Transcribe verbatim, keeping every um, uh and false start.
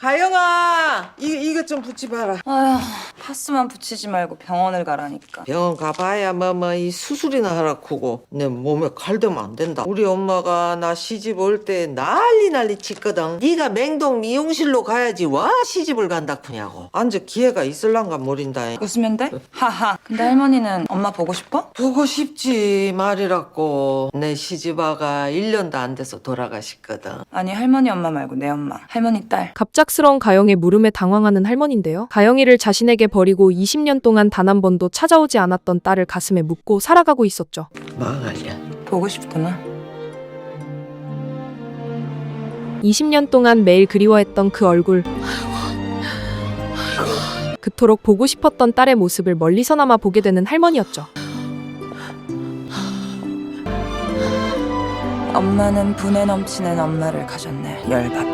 가영아, 이, 이것 좀 붙여봐라. 아휴, 파스만 붙이지 말고 병원을 가라니까. 병원 가봐야 뭐 뭐 이 수술이나 하라 크고 내 몸에 칼대면 안 된다. 우리 엄마가 나 시집 올 때 난리 난리 쳤거든. 네가 맹동 미용실로 가야지 와 시집을 간다 크냐고. 앉아 기회가 있을란가 모른다. 웃으면 돼? 하하. 근데 할머니는 엄마 보고 싶어? 보고 싶지 말이라고. 내 시집아가 일 년도 안 돼서 돌아가셨거든. 아니 할머니 엄마 말고 내 엄마. 할머니 딸. 갑작스러운 가영의 물음에 당황하는 할머니인데요. 가영이를 자신에게 버리고 이십 년 동안 단 한 번도 찾아오지 않았던 딸을 가슴에 묻고 살아가고 있었죠. 망할려. 보고 싶구나. 이십 년 동안 매일 그리워했던 그 얼굴. 그토록 보고 싶었던 딸의 모습을 멀리서나마 보게 되는 할머니였죠. 엄마는 분에 넘치는 엄마를 가졌네. 열받.